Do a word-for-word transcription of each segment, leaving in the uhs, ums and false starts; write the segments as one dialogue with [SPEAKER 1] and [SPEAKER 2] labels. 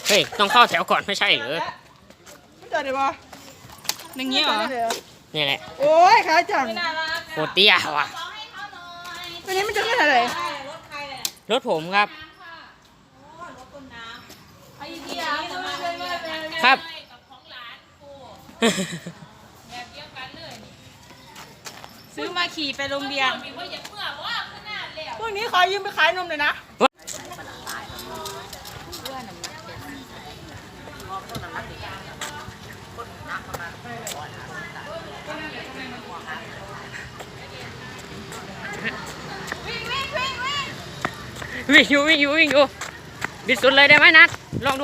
[SPEAKER 1] เฮ้ยต้องเข้าแถวก่อนไม่ใช่เหรอ
[SPEAKER 2] ไม่เจอเลยปะอย่างเงี้ยเหรอ
[SPEAKER 1] นี่แหละ
[SPEAKER 2] โอ้ยขาจัง
[SPEAKER 1] โคตรเตี้ยว่ะ
[SPEAKER 2] วันนี้มันจะขึ้นอะไร
[SPEAKER 1] รถผมครับครับ
[SPEAKER 2] ซื้อมาขี่ไปโรงเรียนพวกนี้ขอยืมไปขายนมเลยนะ
[SPEAKER 1] วิ่งอยู่วิ่งอยู่วิ่งอยู่บิดสุดเลยได้ไหมนัดลองดู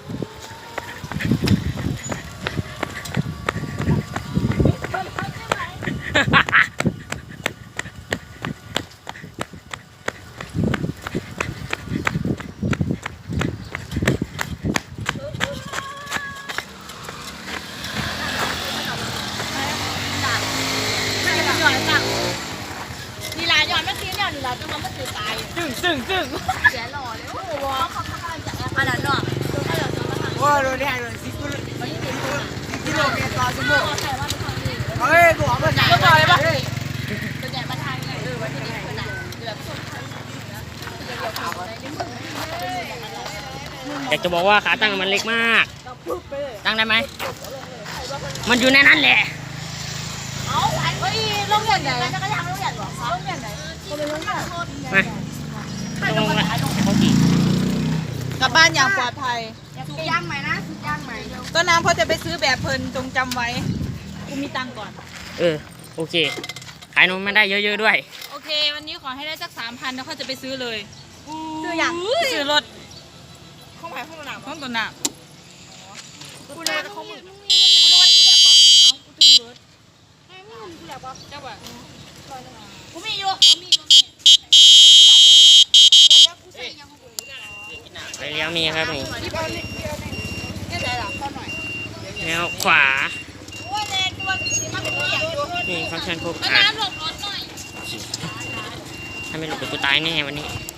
[SPEAKER 3] นี่ลายย้อนเมื่อกี้เนี่ยนี่เราจะมาเมื่อกี้ตายจึ้งจึ้งจึ้งเสียหล่อเลยโอ้โหเขาเขาจะแอบอันนั้นเนาะ
[SPEAKER 2] ว่าเราได้เราสิบกิโลสิบกิโลเมตรต่อชั่วโมงเฮ้ยบอกว่าจะต่อยปะ
[SPEAKER 3] ตัวใหญ่มาทางไหนเออวันนี้คนไหนแบบสุด
[SPEAKER 1] อยากจะบอกว่าขาตั้งมันเล็กมากตั้งได้ไหมมันอยู่ในนั้นแหละ
[SPEAKER 3] เอาเฮ้ยโรงเรียนไหนจะกระยังโรงเรียนหรอโรงเรียนไหนโรงเรียนโรงเรียน
[SPEAKER 1] มาลงมาเขาขี่
[SPEAKER 2] กลับบ้านอย่างปลอดภัย
[SPEAKER 3] สุกย่างไหมนะสุกย่างไหม
[SPEAKER 2] ต้นน้ำเขาจะไปซื้อแบบเพลินจงจำไว้กูมีตังก่อน
[SPEAKER 1] เออโอเคขายนมไม่ได้เยอะๆด้วย
[SPEAKER 2] โอเควันนี้ขอให้ได้สักสามพันแล้วเขาจะไปซื้อเลย
[SPEAKER 3] ซื้ออย่าง
[SPEAKER 2] ซื้อรถข้องหมายข้องตัวหนาข้องตัวหนากูเลยข้องมือกูเลยว่ากูแดกปะเอากูตื่นเบิร์ดไม่ไม่เห็นกูแดกปะเจ้าบ่
[SPEAKER 3] กูมีอยู่กูมีอยู่
[SPEAKER 1] ไปเลี้ยวมีครับนี่แนวขวานี่เขาเชิญพวกขาถ้าไม่หลุดกูตายแน่วันนี้